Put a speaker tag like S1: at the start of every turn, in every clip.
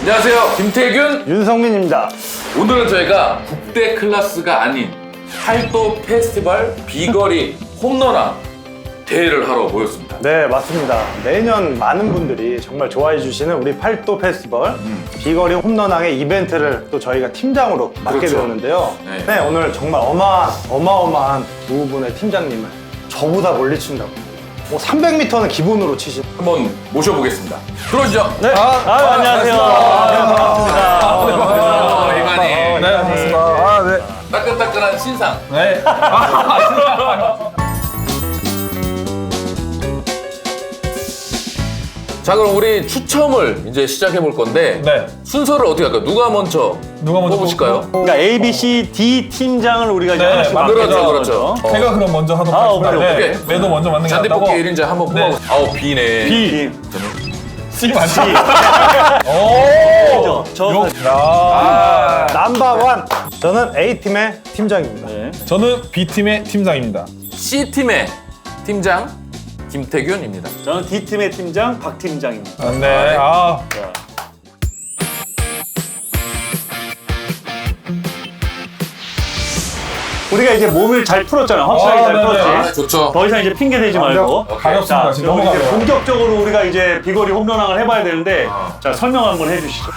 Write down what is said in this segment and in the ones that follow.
S1: 안녕하세요, 김태균,
S2: 윤성민입니다.
S1: 오늘은 저희가 국대 클래스가 아닌 팔도 페스티벌 비거리 홈런왕 대회를 하러 모였습니다.
S2: 네, 맞습니다. 매년 많은 분들이 정말 좋아해 주시는 우리 팔도 페스티벌 비거리 홈런왕의 이벤트를 또 저희가 팀장으로 맡게
S1: 그렇죠.
S2: 되었는데요.
S1: 네.
S2: 네, 오늘 정말 어마어마한 두 분의 팀장님을 저보다 멀리 친다고. 뭐 300m는 기본으로 치신.
S1: 한번 모셔보겠습니다. 들어오시죠.
S2: 네.
S3: 안녕하세요.
S1: 반갑습니다. 이만희.
S3: 네, 반갑습니다. 네.
S1: 따끈따끈한 신상.
S3: 네.
S1: 자, 그럼 우리 추첨을 이제 시작해 볼 건데
S3: 네.
S1: 순서를 어떻게 할까요? 누가 먼저 뽑으실까요?
S3: 그러니까 A, B, C, D 팀장을 우리가 이제
S2: 네,
S3: 하나씩
S1: 그렇죠,
S3: 맡겨서
S1: 그렇죠.
S3: 제가 그럼 먼저 하도록 하겠습니다.
S2: 오케이,
S1: 오케이.
S3: 네. 매도 먼저 맞는 게
S1: 잔디뽑기
S3: 낫다고.
S1: 1인자 한번
S3: 네.
S1: 뽑아보세요. 아우, B네.
S3: B.
S1: 저는
S3: C 맞지? 오.
S2: 저는
S3: 야.
S2: 넘버원. 저는 A팀의 팀장입니다.
S3: 저는 B 팀의 팀장입니다.
S1: C팀의 팀장 김태균입니다.
S4: 저는 D팀의 팀장 박 팀장입니다.
S3: 네. 아.
S4: 우리가 이제 몸을 잘 풀었잖아요. 확실하게 잘
S3: 네네.
S4: 풀었지.
S1: 좋죠.
S4: 더 이상 이제 핑계 대지 말고.
S3: 가볍습니다.
S4: 자,
S3: 지금
S4: 그럼 이제
S3: 넘어가요.
S4: 본격적으로 우리가 이제 비거리 홈런왕을 해봐야 되는데, 자 설명 한번 해주시죠.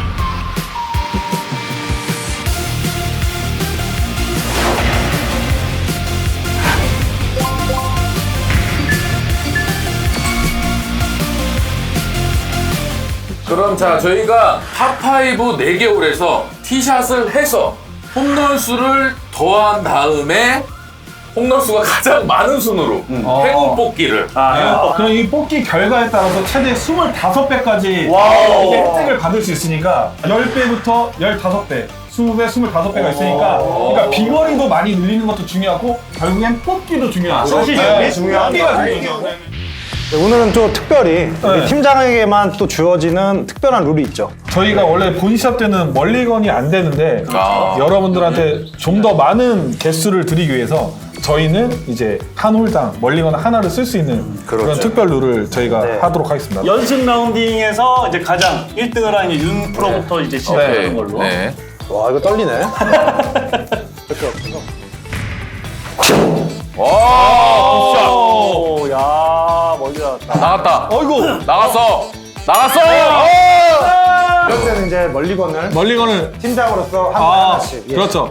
S1: 그럼 자, 저희가 파5 4개 홀에서 티샷을 해서 홈런 수를 더한 다음에 홈런 수가 가장 많은 순으로 행운 뽑기를
S3: 그럼 이 뽑기 결과에 따라서 최대 25배까지
S4: 와우.
S3: 혜택을 받을 수 있으니까 10배부터 15배, 20배, 25배가 있으니까 그러니까 비거리도 많이 늘리는 것도 중요하고 결국엔 뽑기도 중요하죠.
S4: 사실
S3: 네,
S4: 이게 중요한
S3: 뽑기가
S4: 거예요.
S3: 중요하죠.
S2: 네, 오늘은 또 특별히 우리 팀장에게만 또 주어지는 특별한 룰이 있죠.
S3: 저희가 원래 본 시합 때는 멀리건이 안 되는데 여러분들한테 좀 더 많은 개수를 드리기 위해서 저희는 이제 한 홀당 멀리건 하나를 쓸 수 있는 그런 특별 룰을 저희가
S2: 네.
S3: 하도록 하겠습니다.
S4: 연습 라운딩에서 이제 가장 1등을 한 이제 윤 프로부터 이제 시작하는 걸로.
S1: 네.
S2: 와, 이거 떨리네.
S1: 와,
S4: 오, 야, 멀리 나왔다.
S1: 나갔다.
S3: 어이구!
S1: 나갔어. 나갔어.
S2: 이럴 때는 이제 멀리건을
S3: 멀리건을
S2: 팀장으로서 하나씩. 예.
S3: 그렇죠.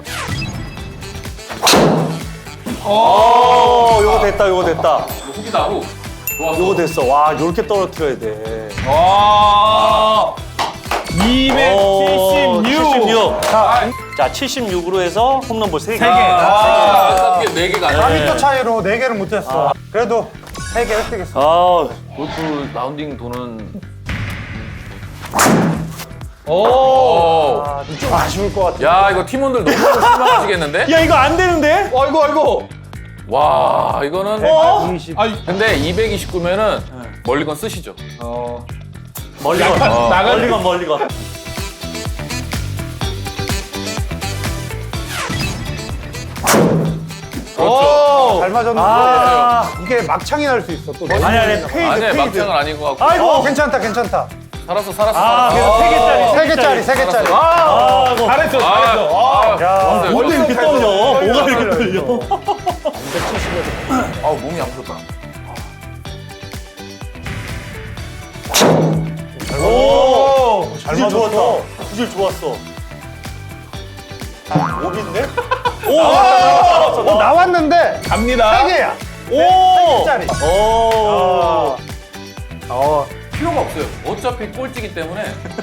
S4: 요거 됐다, 요거 됐다.
S1: 훅이다, 훅. 좋았어.
S4: 요거 됐어. 와, 요렇게 떨어뜨려야 돼.
S3: 와.
S4: 76.
S3: 276.
S4: 자, 76으로 해서 홈런볼 3개.
S1: 아, 4개가 아니라.
S2: 4m 차이로 4개를 못했어. 그래도 3개 획득했어.
S4: 아,
S1: 골프 라운딩 도는.
S3: 오.
S2: 아, 좀 아쉬울 것 같아.
S1: 야, 이거 팀원들 너무 실망하시겠는데?
S4: 야, 이거 안 되는데?
S3: 아이고 아이고.
S1: 와, 이거는.
S2: 20.
S3: 아이
S1: 근데 229면은 멀리건 쓰시죠.
S4: 멀리건.
S3: 나갈
S4: 멀리건.
S1: 그렇죠.
S2: 잘 맞았는데 이게 막창이 날 수 있어. 또
S4: 아니, 페이드,
S1: 아니,
S4: 페이드.
S1: 막장은 아닌 것 같고.
S4: 아이고.
S2: 괜찮다, 괜찮다.
S1: 살았어, 살았어.
S4: 아,
S1: 살았어.
S4: 그래서 3개짜리.
S2: 3개짜리, 3개짜리.
S4: 아이고.
S3: 잘했어
S1: 아,
S3: 잘했어.
S2: 야,
S4: 뭐가 이렇게 떨려? 뭐가 이렇게 떨려?
S1: 아우, 몸이 아프다.
S4: 오,
S2: 잘
S4: 구질
S2: 맞았어.
S4: 좋았다. 구질 좋았어. 오비인데? 오,
S2: 나왔는데
S3: 갑니다.
S2: 3개야.
S4: 오,
S2: 3개짜리.
S4: 오,
S1: 필요가 없어요. 어차피 꼴찌기 때문에.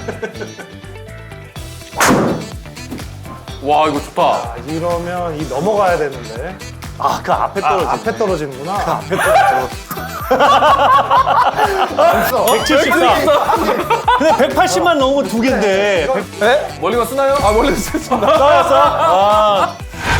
S1: 와, 이거 좋다.
S2: 아, 이러면 이 넘어가야 되는데.
S4: 아, 그 앞에 떨어지.
S2: 앞에 떨어지는구나.
S4: 앞에 떨어져. 174. 근데 180만 넘으면 2개인데.
S1: 멀리건 쓰나요?
S3: 아 멀리 쓰겠습니다.
S4: 떨어졌어? 아,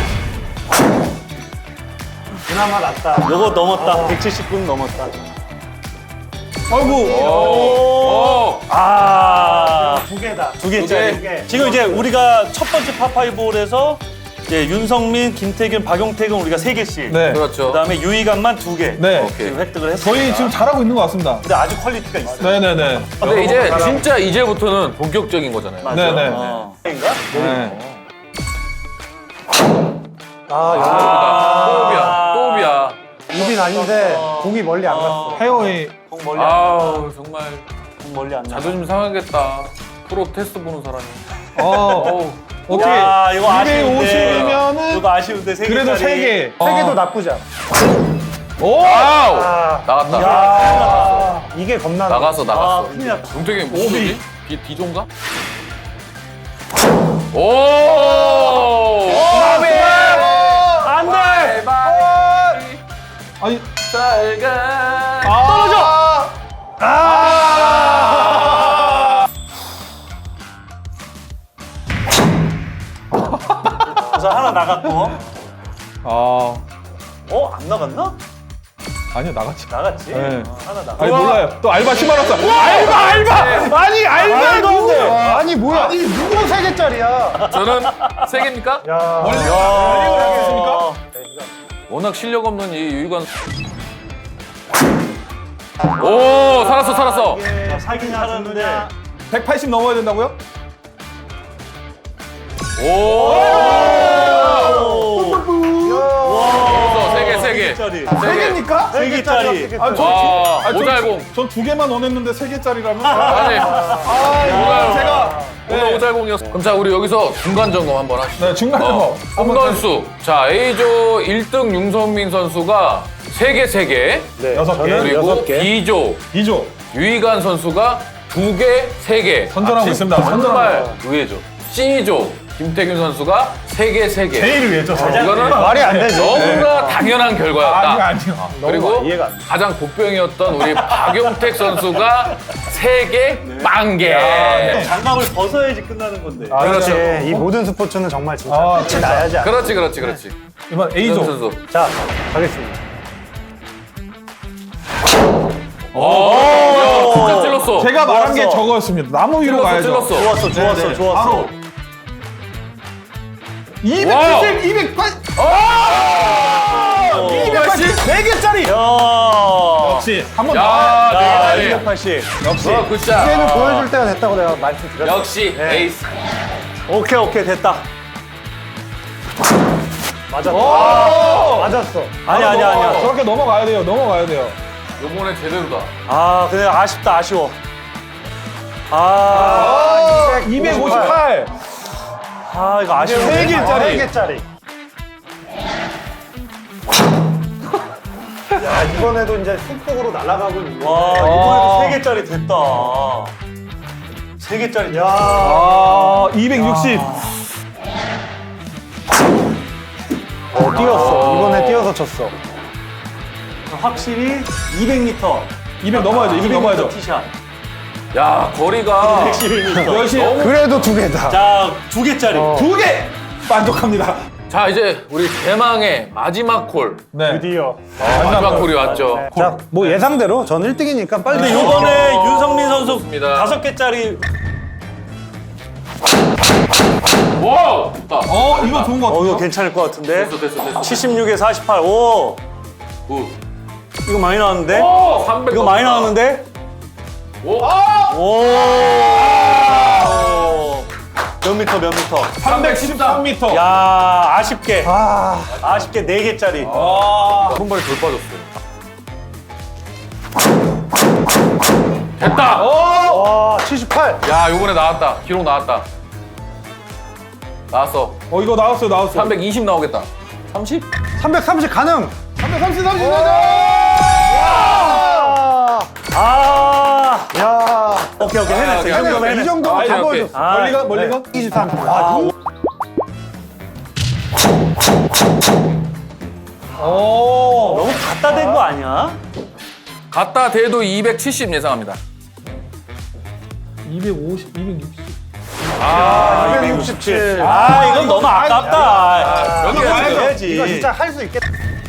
S2: 그나마 낫다.
S4: 요거 넘었다. 179는 넘었다.
S3: 아이고.
S1: 오.
S4: 아,
S2: 2개다.
S4: 2개짜리. 지금 이제 우리가 첫 번째 파5홀에서 이제 윤성민, 김태균, 박용택은 우리가 3개씩.
S3: 네.
S1: 그렇죠.
S4: 그다음에 유희관만 2개.
S3: 네.
S1: 오케이.
S4: 지금 획득을 했습니다.
S3: 저희 지금 잘하고 있는 것 같습니다.
S4: 근데 아주 퀄리티가 있어요.
S3: 네네네.
S1: 근데 이제 진짜 이제부터는 본격적인 거잖아요.
S4: 맞아.
S3: 네네.
S4: 인가?
S3: 네.
S1: 또비야.
S2: 우빈 아닌데 공이 멀리 안 갔어.
S3: 페어웨이.
S4: 공 멀리 안
S1: 아우 정말
S4: 공 멀리 안 나.
S1: 자존심 상하겠다. 프로 테스트 보는 사람이.
S3: 어떻게
S4: 야, 이거 아쉬운데.
S3: 250이면은
S4: 이거 아쉬운데 3개짜리.
S3: 그래도 3개.
S2: 세 개도 나쁘지 않아.
S3: 오!
S1: 아우
S2: 아,
S1: 나갔다.
S2: 이게 겁나.
S1: 나갔어.
S4: 아, 큰일 났다.
S1: 용택이 무슨 소리? 디종가? 오!
S4: 안 돼!
S3: 아니
S1: 잘가.
S3: 떨어져.
S4: 그래서 하나 나갔고. 안 나갔나?
S3: 아니요 나갔지.
S4: 나갔지?
S3: 네.
S4: 하나 나갔.
S3: 아니 몰라요. 또 알바 10만 원 써. 알바. 아니 알바
S2: 말도 안 돼.
S3: 누구?
S2: 아니 뭐야? 아니 누구 세 개짜리야?
S1: 저는 세 개입니까?
S2: 야.
S3: 알겠습니까?
S1: 워낙 실력 없는 이 유희관. 오 살았어.
S4: 사긴 살았는데.
S3: 180 넘어야 된다고요?
S1: 오. 세 개.
S4: 짜리.
S2: 세 개입니까?
S4: 세 개짜리.
S3: 아,
S1: 와
S3: 전
S1: 오잘공.
S3: 전 2개만 원했는데 3개짜리라면.
S1: 아니
S3: 이거 제가
S1: 오늘 오잘공이었어. 그럼 자 우리 여기서 중간 점검 한번 하시죠.
S3: 네 중간 점검.
S1: 홈런수. 자 A조 1등 윤성민 선수가 3개.
S2: 네.
S3: 6개.
S2: 저는
S1: 그리고
S2: 6개.
S1: B조
S3: 2조
S1: 유희관 선수가 2개, 3개.
S3: 선전하고 있습니다.
S1: 정말 의외죠. C조 김태균 선수가 3개.
S3: 제일 위에죠.
S1: 이거는
S2: 말이 안 되지.
S1: 너무나 당연한 결과였다.
S3: 아니요.
S1: 그리고
S2: 이해가 안 돼.
S1: 가장 복병이었던 우리 박용택 선수가 3개, 빵개.
S4: 장갑을 벗어야지 끝나는 건데.
S2: 아,
S1: 그렇죠.
S2: 그렇지. 이 모든 스포츠는 정말 진짜
S3: 아,
S2: 끝이 나야지. 않아.
S1: 그렇지.
S3: 이번
S1: 윤
S3: A조.
S1: 선수.
S2: 자, 가겠습니다.
S1: 야, 진짜 찔렀어.
S3: 제가 말한 게
S4: 좋았어.
S3: 저거였습니다. 나무 위로 가야죠.
S1: 찔렀어.
S4: 좋았어.
S3: 바로 270,
S1: 와우.
S3: 280.
S1: 280?
S2: 4개짜리!
S4: 야.
S3: 역시 한번
S1: 야,
S3: 더.
S4: 야,
S1: 네.
S4: 280.
S3: 역시.
S1: 굿샷.
S2: 이제는 보여줄 때가 됐다고 내가 말씀드렸어요.
S1: 역시 에이스.
S4: 오케이, 됐다.
S2: 맞았어. 맞았어.
S4: 아니야.
S3: 저렇게 넘어가야 돼요. 넘어가야 돼요.
S1: 요번에 제대로다.
S4: 아, 근데 아쉽다, 아쉬워.
S3: 258.
S4: 이거 아쉬워.
S2: 3개짜리. 3개짜리. 야, 이번에도 이제 쑥쑥으로 날아가고 있는.
S4: 와, 이번에도 3개짜리 됐다. 3개짜리.
S2: 야,
S3: 260.
S2: 뛰었어. 이번에 뛰어서 쳤어.
S4: 확실히 200m.
S3: 200 넘어야죠. 200 넘어야죠.
S4: 티샷.
S1: 야, 거리가
S4: 111m.
S3: 열심히.
S2: 그래도 2개다.
S4: 자, 2개짜리.
S3: 2개. 만족합니다.
S1: 자, 이제 우리 대망의 마지막 콜.
S3: 네.
S2: 드디어.
S1: 마지막 콜이 왔죠.
S2: 자, 뭐 예상대로 전 1등이니까 빨리.
S4: 근데 요번에 윤성민 선수
S1: 좋습니다.
S4: 5개짜리.
S1: 와우! 좋다.
S3: 이거 좋은 거 같아요.
S4: 이거 괜찮을 것 같은데.
S1: 됐어.
S4: 76에 48. 오,
S1: 굿.
S4: 이거 많이 나왔는데?
S1: 오, 300.
S4: 이거 많이 나왔는데?
S1: 오,
S4: 오. 몇 미터?
S3: 313m.
S4: 야, 아쉽게.
S2: 아,
S4: 아쉽게 4개짜리.
S1: 한 발에 돌 빠졌어요. 됐다!
S2: 와, 78.
S1: 야, 요번에 나왔다. 기록 나왔다. 나왔어.
S3: 이거 나왔어요.
S1: 320 나오겠다. 30?
S2: 330 가능.
S3: 330.
S2: 야,
S4: 오케이, 해냈어. 이 정도면
S2: 이
S4: 해냈어.
S2: 정도면 다
S1: 오케이.
S2: 보여줬어.
S3: 멀리건?
S2: 23. 아,
S4: 너무 갖다 댄 거 아니야?
S1: 갖다 대도 270 예상합니다.
S3: 250, 260.
S2: 267.
S4: 이건 너무 아깝다.
S1: 여기
S3: 이거
S1: 해야죠.
S4: 해야지.
S2: 이거 진짜 할 수 있겠다.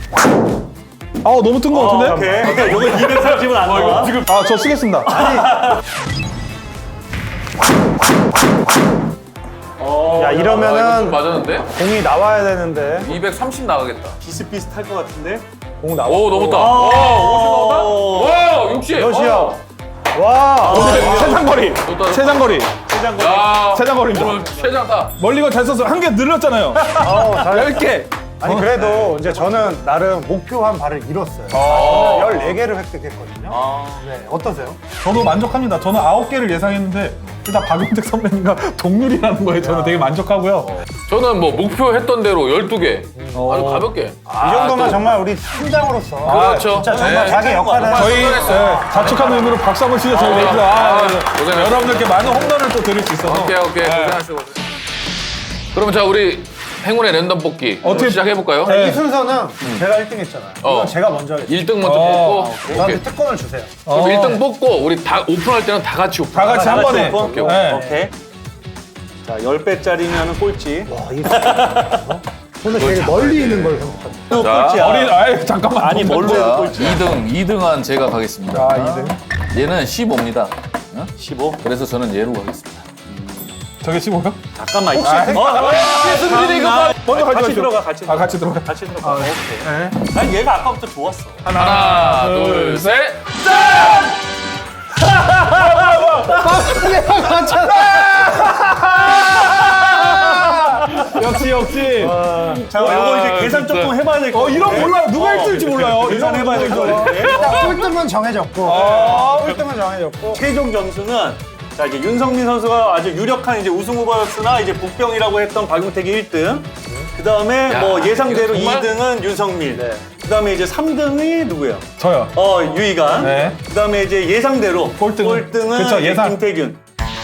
S3: 너무 뜬 거 같은데?
S4: 오케이. 이거 230은 안 나와.
S3: 저 쓰겠습니다.
S2: 야,
S1: 이거 좀
S2: 이러면은
S1: 맞았는데?
S2: 공이 나와야 되는데.
S1: 230 나가겠다.
S4: 비슷비슷할 것 같은데.
S2: 공 나와.
S1: 오, 넘었다. 와, 50 나온다? 와, 60.
S2: 몇이야? 와.
S3: 최장거리.
S1: 좋다.
S3: 최장거리.
S4: 최장거리.
S1: 야,
S3: 최장거리입니다.
S1: 오늘 최장타.
S3: 멀리건 잘 썼어요. 한 개 늘렸잖아요.
S2: 잘.
S3: 10개.
S2: 아니 그래도 이제 저는 나름 목표한 바를 이뤘어요. 저는 14개를 획득했거든요. 네, 어떠세요?
S3: 저도 만족합니다. 저는 9개를 예상했는데 일단 박용택 선배님과 동률이라는 거에 저는 되게 만족하고요.
S1: 저는 뭐 목표했던 대로 12개. 아주 가볍게.
S2: 이 정도면 정말 우리 팀장으로서
S1: 그렇죠.
S2: 진짜 정말
S1: 네.
S2: 자기 역할을
S3: 저희
S1: 잘했어요.
S3: 자축하는 의미로 박수 한번 치죠. 저희 레이저.
S1: 고생하셨어요.
S3: 여러분들께 많은 홈런을 또 드릴 수 있어서.
S1: 오케이. 고생하시고. 그러면 자, 우리 행운의 랜덤 뽑기
S3: 어떻게-
S1: 시작해볼까요?
S3: 네.
S2: 이 순서는 제가 1등 했잖아요. 이건 제가 먼저 하겠습니다.
S1: 1등 먼저 뽑고.
S2: 저한테
S1: 오케이.
S2: 특권을 주세요.
S1: 그럼 1등 뽑고 우리 다 오픈할 때는 다 같이 오픈.
S3: 다 같이 한 번에.
S4: 오케이.
S3: 네.
S4: 오케이. 자, 10배짜리면 꼴찌.
S2: 와, 이거 저는 제일 멀리 있는 걸 선택합니다.
S4: 또 꼴찌야.
S3: 아유, 잠깐만.
S4: 아니, 뭘로 해도 꼴찌.
S5: 2등한 제가 가겠습니다.
S3: 아, 2등.
S5: 얘는 15입니다.
S4: 15.
S5: 그래서 저는 얘로 가겠습니다.
S3: 저게 15요?
S4: 잠깐만.
S1: 승진이 이거 봐.
S3: 먼저
S4: 같이
S3: 가져가죠.
S4: 들어가, 같이 들어가.
S3: 같이 들어가.
S4: 같이 들어가. 오케이. 난 얘가 아까부터 좋았어.
S1: 하나, 둘, 셋.
S3: 역시.
S4: 자, 이거 이제 계산 조금 해봐야 될 것 같아.
S3: 이런 몰라요. 누가 1등일지 몰라요.
S4: 계산해봐야 될 것 같아.
S2: 일단 꼴등은 정해졌고, 꼴등은 정해졌고.
S4: 최종 점수는 자 이제 윤성민 선수가 아주 유력한 이제 우승 후보였으나 이제 복병이라고 했던 박용택이 1등. 그 다음에
S1: 야,
S4: 뭐 예상대로
S1: 이거 정말?
S4: 2등은 윤성민. 그 다음에 이제 3등이 누구예요?
S3: 저요.
S4: 유이간.
S3: 네.
S4: 그 다음에 이제 예상대로
S3: 꼴등은?
S4: 꼴등은
S3: 그쵸,
S4: 이제
S3: 예상.
S4: 김태균.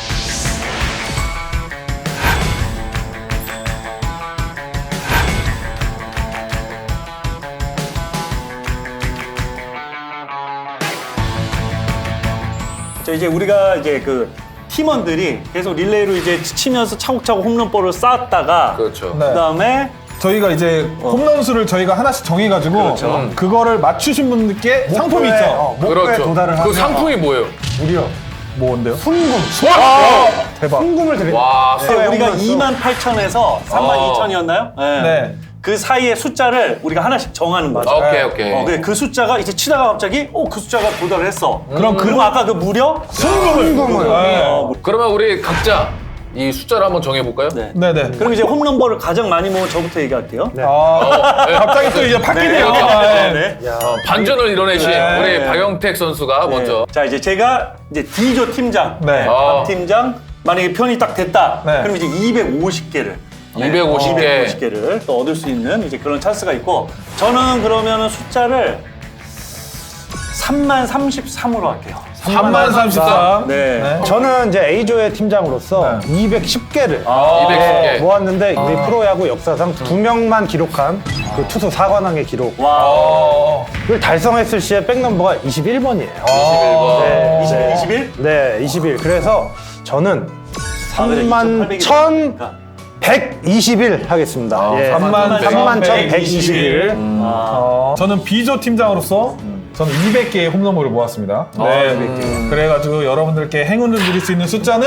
S4: 자 이제 우리가 이제 그 팀원들이 계속 릴레이로 이제 치면서 차곡차곡 홈런볼을 쌓았다가
S1: 그렇죠.
S3: 네.
S4: 그다음에
S3: 저희가 이제 홈런 수를 저희가 하나씩 정해가지고
S4: 그렇죠.
S3: 그거를 맞추신 분들께 상품이
S2: 목표에,
S3: 있죠.
S2: 목표에
S1: 그렇죠.
S2: 도달을
S1: 그
S2: 하면
S1: 상품이 뭐예요?
S2: 무려
S3: 뭔데요?
S2: 순금.
S3: 대박.
S2: 순금을 드립니다.
S1: 와,
S2: 네,
S4: 우리가
S2: 홈런 수.
S4: 28,000에서 32,000이었나요?
S3: 네.
S4: 그 사이의 숫자를 우리가 하나씩 정하는 거죠.
S1: 오케이.
S4: 그래, 그 숫자가 이제 치다가 갑자기 그 숫자가 도달을 했어.
S3: 그럼
S4: 그럼 아까 그 무려
S2: 순금을.
S3: 네.
S1: 그러면 우리 각자 이 숫자를 한번 정해볼까요?
S4: 네.
S3: 네네.
S4: 그럼 이제 홈런볼을 가장 많이 모은 저부터 얘기할게요.
S2: 네.
S3: 갑자기 또 이제 바뀌네요.
S4: 네.
S1: 반전을 이뤄내신
S3: 네.
S1: 우리 박영택 선수가 먼저.
S4: 자 이제 제가 이제 D조 팀장,
S3: 네.
S1: 어.
S4: 박 팀장 만약에 편이 딱 됐다.
S3: 네.
S4: 그럼 이제 250개를.
S1: 250개.
S4: 250개를 또 얻을 수 있는 이제 그런 찬스가 있고 저는 그러면은 숫자를 333으로 할게요.
S3: 333.
S4: 네.
S2: 저는 이제 A조의 팀장으로서 210개를
S1: 210개.
S2: 모았는데 우리 프로야구 역사상 2명만 기록한 그 투수 4관왕의 기록을
S4: 와.
S2: 달성했을 시에 백넘버가 21번이에요.
S1: 21번.
S2: 네.
S4: 21?
S2: 네, 21. 그래서 저는
S4: 그래,
S2: 31,121 하겠습니다. 예.
S3: 31,121.
S2: 31,121.
S3: 저는 B조 팀장으로서 저는 200개의 홈런볼을 모았습니다. 네. 그래가지고 여러분들께 행운을 드릴 수 있는 숫자는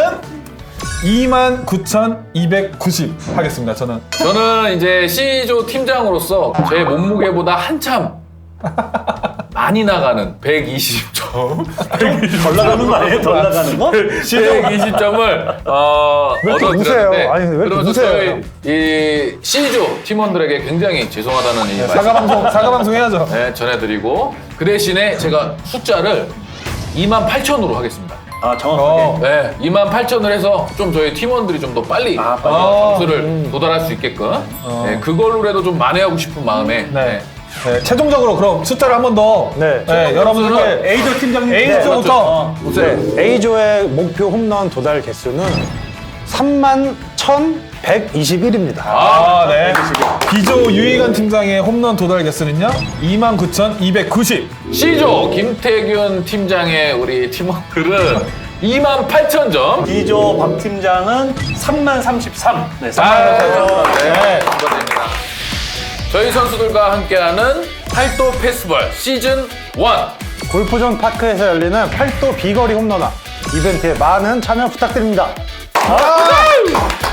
S3: 29,290 하겠습니다.
S1: 저는 이제 C조 팀장으로서 제 몸무게보다 한참 많이 나가는 120점.
S4: 덜 나가는 거 아니에요? 덜 나가는 거?
S1: 120점을
S2: 왜 이렇게 우세요?
S1: 얻어드렸는데
S2: 아니, 왜 이렇게
S1: 그러면서
S2: 우세요?
S1: 저희 이 C조 팀원들에게 굉장히 죄송하다는 이 말씀
S3: 사과방송 해야죠.
S1: 네, 전해드리고 그 대신에 제가 숫자를 28,000으로 하겠습니다.
S4: 아 정확하게.
S1: 네, 28,000을 해서 좀 저희 팀원들이 좀 더 빨리 점수를 도달할 수 있게끔 네, 그걸로라도 좀 만회하고 싶은 마음에
S3: 네. 네, 최종적으로 그럼 숫자를 한 번 더.
S2: 네.
S3: 여러분들께
S4: A조 팀장님.
S3: A조부터.
S2: 네, A조의 목표 홈런 도달 개수는 31,121입니다.
S3: 네. B조 유희관 팀장의 홈런 도달 개수는요 29,290.
S1: C조 김태균 팀장의 우리 팀원들은 28,000점.
S4: D조 박 팀장은 3,033. 네, 3,033.
S3: 네.
S1: 축하드립니다. 저희 선수들과 함께하는 팔도 패스볼 시즌 1.
S2: 골프존 파크에서 열리는 팔도 비거리 홈런왕 이벤트에 많은 참여 부탁드립니다.